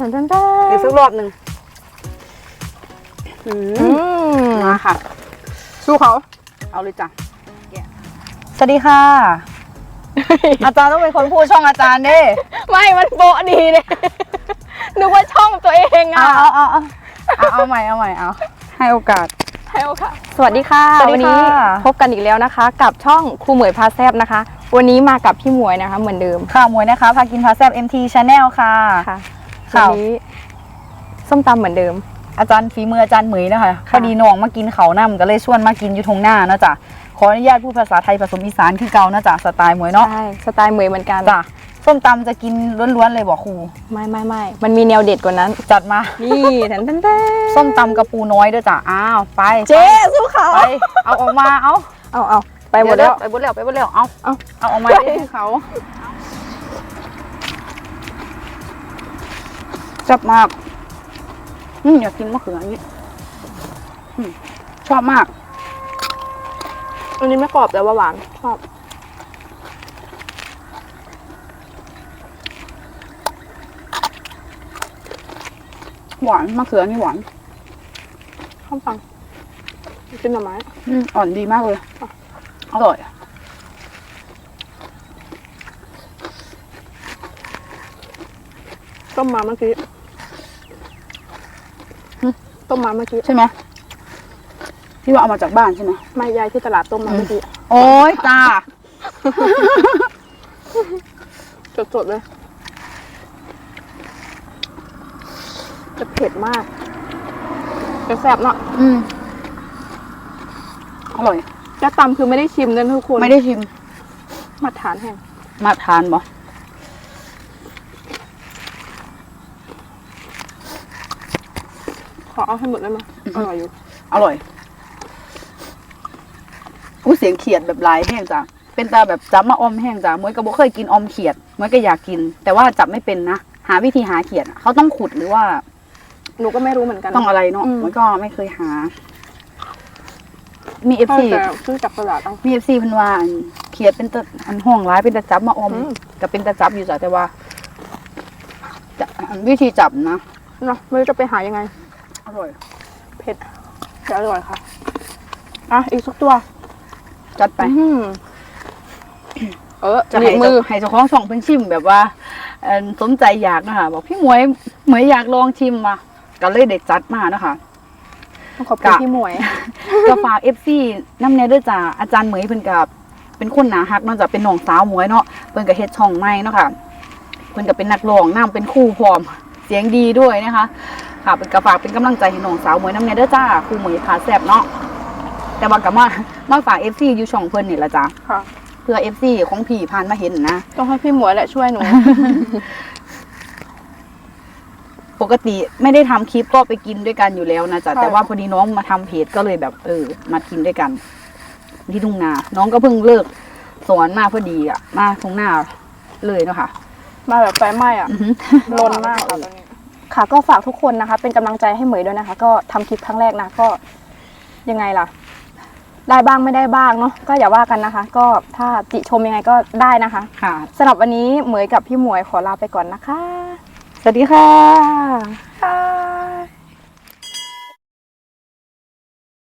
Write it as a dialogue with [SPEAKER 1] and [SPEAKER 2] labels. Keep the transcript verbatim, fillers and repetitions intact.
[SPEAKER 1] ทันทันทันอีกสักรอบหนึ่งมาค่ะสู้เขาเอาเลยจ้ะสวัสดีค่ะ อาจารย์ต้องเป็นคนพูดช่องอาจารย์ดิ
[SPEAKER 2] ไม่มันโปะดีเลยนึกว่าช่องตัวเองอ่ะ
[SPEAKER 1] เอาเอาเอาเอาเอาใหม่เอาใหม่เอาให้โอกาส
[SPEAKER 2] ให้โอกาสสวัสดีค่ะวันนี้พบกันอีกแล้วนะคะกับช่องครูหมวยพาแซบนะคะวันนี้มากับพี่หมวยนะคะเหมือนเดิม
[SPEAKER 1] ค่ะหมวยนะคะพากินพาแซบ เอ็ม ที Channel ค่ะ
[SPEAKER 2] ค่ะวันนี้ส้มตำเหมือนเดิม
[SPEAKER 1] อาจารย์ฝีมืออาจารย์เหมยนะคะพอดีน้องมากินเขาน้ำก็เลยชวนมากินอยู่ทงหน้าเนาะจ้ะขออนุญาตพูดภาษาไทยผสมอีสานคือเก่านะจ้ะสไตล์หมวยเนาะ
[SPEAKER 2] ใช่สไตล์หมวยเหมือนกัน
[SPEAKER 1] จ้ะส้มตำจะกินล้วนๆเลยบอกครู
[SPEAKER 2] ไม่ไม่ไม่มันมีแนวเด็ดกว่านั้น
[SPEAKER 1] จัดมา
[SPEAKER 2] นี่แทนแทน
[SPEAKER 1] ส้มตำกระปูน้อยด้วยจ้ะอ้าวไป
[SPEAKER 2] เจ๊สู้เขา
[SPEAKER 1] ไปเอาออกมาเอา
[SPEAKER 2] เอาเอาไปหมดแล้ว
[SPEAKER 1] ไปหมดแล้วไปหมดแล้วเอาเอาเอาออกมาให้เขาจับมากอืมอยากกินมะเขืออย่างนี้ชอบมาก
[SPEAKER 2] อันนี้ไม่กรอบแต่ว่าหวานชอบ
[SPEAKER 1] หวานมะเขือนี่หวาน
[SPEAKER 2] ข้าวปังกินหน่อไม้
[SPEAKER 1] อืมอ่อนดีมากเลยอร่อย
[SPEAKER 2] ต้มมาเมื่อกี้ต้มมาเมื่อกี้
[SPEAKER 1] ใช่ไหมที่ว่าเอามาจากบ้านใช่ไหม
[SPEAKER 2] ไม่ยายที่ตลาดต้มมาเมื่อกี้
[SPEAKER 1] โอ้ยจ้า
[SPEAKER 2] สดๆเลยจะเผ็ดมากจะแซ่บเนาะ
[SPEAKER 1] อืมอร่อย
[SPEAKER 2] จะตำคือไม่ได้ชิมนะทุกคน
[SPEAKER 1] ไม่ได้ชิม
[SPEAKER 2] มาทานแห้ง
[SPEAKER 1] มาทานบ่
[SPEAKER 2] ขอเอาให้หมดได้ไหมอร่อยอยู่
[SPEAKER 1] อร่อยอู้เสียงเขียดแบบลายแห้งจ้ะเป็นตาแบบจับมาอมแห้งจ้ะมวยก็บ่เคยกินอมเขียดมวยก็อยากกินแต่ว่าจับไม่เป็นนะหาวิธีหาเขียดเขาต้องขุดหรือว่า
[SPEAKER 2] หนูก็ไม่รู้เหมือนกัน
[SPEAKER 1] ต้องอะไรเนาะมวยก็ไม่เคยหามีเอฟซี
[SPEAKER 2] ซื้อจากตลาดต้อง
[SPEAKER 1] มีเอฟซีเพิ่นว่าเขียดเป็นตะอันห้องร้ายเป็นตะจับมาอมก็เป็นตะจับอยู่จ้ะแต่ว่าวิธีจับนะ
[SPEAKER 2] เนาะไม่รู้จะไปหายังไง
[SPEAKER 1] อร่อย
[SPEAKER 2] เผ็ดแต่อร่อยค่ะอ่ะอีกสักตัว
[SPEAKER 1] จัดไป
[SPEAKER 2] เออ
[SPEAKER 1] จะให้มือให้เจ้าของส่องเป็นชิมแบบว่าสนใจอยากนะคะบอกพี่หมวยหมวยอยากลองชิมมาก็เลยเด็กจัดมานะคะ
[SPEAKER 2] ขอบคุณพี่หมวย
[SPEAKER 1] ก็ฝากเอฟซีน้ำเนยด้วยจ้าอาจารย์เหมยเพิ่นกับเป็นคนหนาฮักนอกจากเป็นน้องสาวหมวยเนาะเพิ่นกับเฮ็ดช่องใหม่เนาะค่ะเพิ่นกับเป็นนักร้องน้ำเป็นคู่พร้อมเสียงดีด้วยนะคะค่ะเป็นกระฝากเป็นกำลังใจให้น้องสาวหมวยน้ำเนยด้วยจ้าครูหมวยพาแซ่บเนาะแต่ว่ากับมามาฝากเอฟซีอยู่ช่องเพิ่นนี่ละจ้าเพื่อเอฟซีของพี่ผ่านมาเห็นนะ
[SPEAKER 2] ต้องให้พี่หมวยแหละช่วยหนู
[SPEAKER 1] ปกติไม่ได้ทำคลิปก็ไปกินด้วยกันอยู่แล้วนะจ๊ะแต่ว่าพอดีน้องมาทำเพจก็เลยแบบเออมากินด้วยกันที่ทุ่งนาน้องก็เพิ่งเลิกสอนมาพอดีอ่ะมาทุ่งนาเลยเนาะค่ะ
[SPEAKER 2] มาแบบไฟไหม้อ่ะร้อนมากค่ะตอนนี้ค่ะก็ฝากทุกคนนะคะเป็นกำลังใจให้เหมยด้วยนะคะก็ทำคลิปครั้งแรกนะก็ยังไงล่ะได้บ้างไม่ได้บ้างเนาะก็อย่าว่ากันนะคะก็ถ้าติชมยังไงก็ได้นะคะ
[SPEAKER 1] ค่ะ
[SPEAKER 2] สำหรับวันนี้เหมยกับพี่หมวยขอลาไปก่อนนะคะ
[SPEAKER 1] สวัสดีค่ะ
[SPEAKER 2] ค่ะ